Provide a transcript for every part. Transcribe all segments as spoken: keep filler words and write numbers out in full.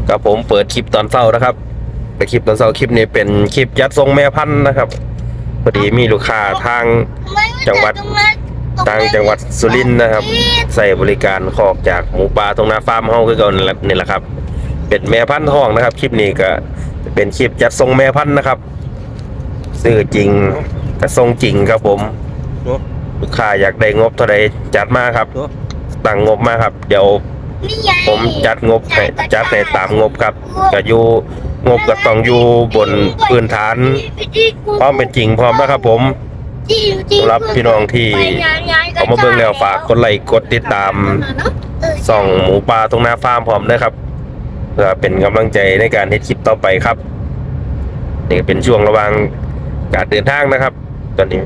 ครับผมเปิดคลิปตอนเช้านะครับไปคลิปตอนเช้าคลิปนี้เป็นคลิปยัดทรงแม่พันธุ์นะครับพอดีมีลูกค้าทางจังหวัดทางจังหวัดสุรินทร์นะครับใส่บริการคอกจากหมูป่าตรงนาฟาร์มเฮาคือเก่านี่แหละครับเป็นแม่พันธุ์ทองนะครับคลิปนี้ก็เป็นคลิปจัดทรงแม่พันธุ์นะครับซื้อจริงแต่ทรงจริงครับผมลูกค้าอยากได้งบเท่าไรจัดมาครับตั้งงบมาครับเดี๋ยวผมจัดงบให้จัดให้ตามงบครับก็อยู่งบก็ต้องอยู่บนพื้นฐานพร้อมเป็นจริงพร้อมนะครับผมสำหรับพี่น้องที่เอามาเบิ่งแล้วฝากกดไลค์กดติดตามส่องหมูป่าตรงหน้าฟาร์มพร้อมนะครับเพื่อเป็นกำลังใจในการเฮ็ดคลิปต่อไปครับนี่เป็นช่วงระหว่างการเดินทางนะครับตอนนี้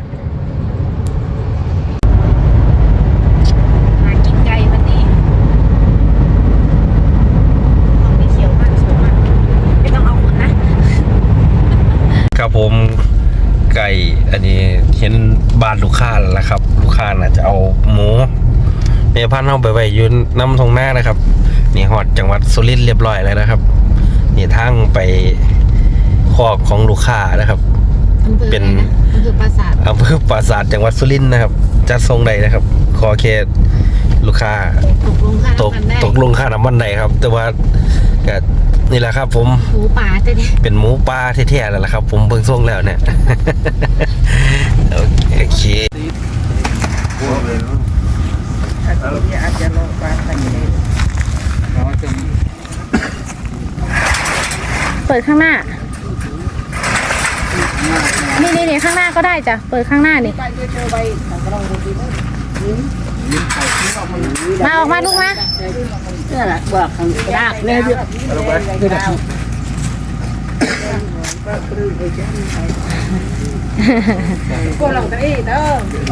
ครับผมไก่อันนี้เห็นบ้านลูกค้าแล้วครับลูกค้าน่ะจะเอาหมูเมพันธุ์เข้าไปไว้ยืนน้ำทงหน้านะครับนี่ฮอดจังหวัดสุรินทร์เรียบร้อยแล้วนะครับนี่ทางไปคอกของลูกค้านะครับเป็นอำเภอปราสาทอำเภอปราสาทจังหวัดสุรินทร์นะครับจัดทรงใดนะครับขอแค่ลูกค้าตกตกลงค่าน้ำมันใดครับแต่ว่าก็นี่แหละครับผมหมูป่าแท้ๆเป็นหมูป่าแท้ๆแล้วล่ะครับผมเบิ่งทรงแล้วเนี่ยโอเคเปิดข้างหน้านี่นี่นี่ข้างหน้าก็ได้จ้ะเปิดข้างหน้านี่มาออกมาลูกมานี่แหละบอกข้างยากเลยเยอะก็ลองกันอีกเด้อ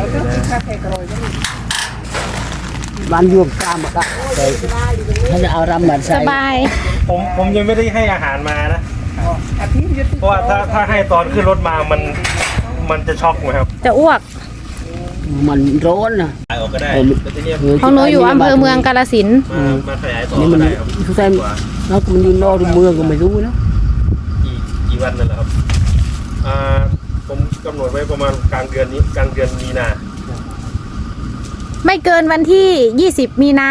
บ้านยวมตามหมดละถ้าจะเอารำเหมือนใส่สบายผมผมยังไม่ได้ให้อาหารมานะเพราะว่าถ้าถ้าให้ตอนขึ้นรถมามันมันจะช็อกไหมครับจะอ้วกมันร้อนนะขายออกก็ได้ของหนูอยู่อำเภอเมืองกาฬสินธุ์มาขยายต่อนี่มันทุกท่านแล้วมันอยู่นอกเมืองก็ไม่รู้นะกี่กี่วันนั่นแหละครับอ่าผมกำหนดไว้ประมาณกลางเดือนนี้กลางเดือนมีนาไม่เกินวันที่ยี่สิบมีนา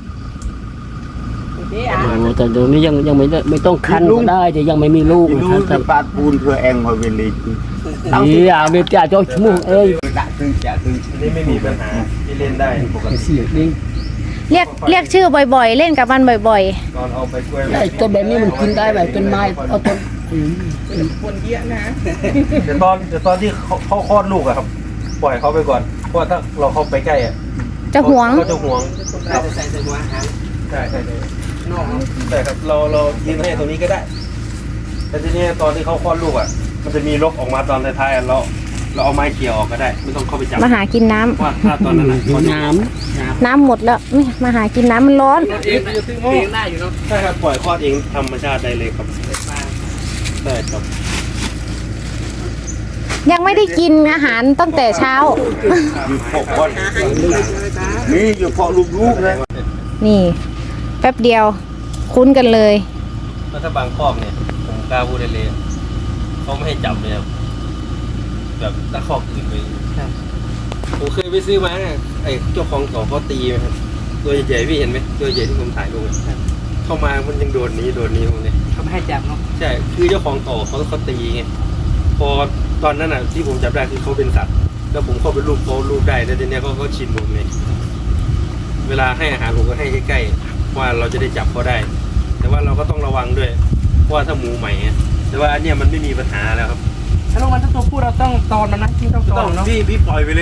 แต่เดี๋ยวนี้ยังยังไม่ไม่ต้องคันก็ได้แต่ยังไม่มีลูกลูกจะปาดปูนเพื่อเองมาเวลีนี่อ่ะเมียจ่าเจ้าชู้เอ้ยนี่ไม่มีปัญหาที่เล่นได้ปกติเรียกเรียกชื่อบ่อยๆเล่นกับมันบ่อยๆตอนเอาไปกล้วยไอ้ต้นแบบนี้มันกินได้แบบต้นไม้เอาต้นคนเยอะนะเดี๋ยวตอนเดี๋ยวตอนที่เขาเขาคลอดลูกอะครับปล่อยเขาไปก่อนเพราะถ้าเราเข้าไปใกล้อะจะหวงก็จะหวงเราใส่ใส่หัวหางใช่ใช่ใช่นอกใช่ครับเราเรายืนให้ตรงนี้ก็ได้แต่ทีนี้ตอนที่เขาคลอดลูกอ่ะมันจะมีรกออกมาตอนท้ายๆเราเราเอาไม้เขี่ยออกก็ได้ไม่ต้องเข้าไปจับมาหากินน้ำว่าถ้าตอนนั้นน้ำน้ำหมดแล้วไม่มาหากินน้ำมันร้อนเองเองได้อยู่เนาะใช่ครับปล่อยคลอดเองธรรมชาติได้เลยครับได้ครับยังไม่ได้กินอาหารตั้งแต่เช้าอยู่พอคนนี่อยู่พอลูกๆเลยนี่แป๊บเดียวคุ้นกันเลยแล้วถ้าบางครอบเนี่ยผมกล้าพูดได้เลยเขาไม่ให้จับเลยครับแบบถ้าครอบอื่นไปผมเคยไปซื้อมาเนี่ยไอ้เจ้าของต่อเขาตีไหมครับตัวใหญ่ๆพี่เห็นไหมตัวใหญ่ที่ผมถ่ายลงเข้ามามันยังโดนนี้โดนนี้ตรงนี้เขาไม่ให้จับเนาะใช่คือเจ้าของต่อเขาเขาตีไงพอตอนนั้นอ่ะที่ผมจับได้คือเขาเป็นสัตว์แล้วผมเข้าไปลูบเขาลูบได้แล้วทีนี้เขาก็ชินผมเลยเวลาให้อาหารผมก็ให้ใกล้ๆว่าเราจะได้จับเขาได้แต่ว่าเราก็ต้องระวังด้วยเพราะว่าถ้าหมูใหม่แต่ว่าอันเนี้ยมันไม่มีปัญหาแล้วครับถ้าลงมันถ้าตัวผู้เราต้องตอนมันนะที่ต้องตอนเนาะพี่พี่ปล่อยไปเลย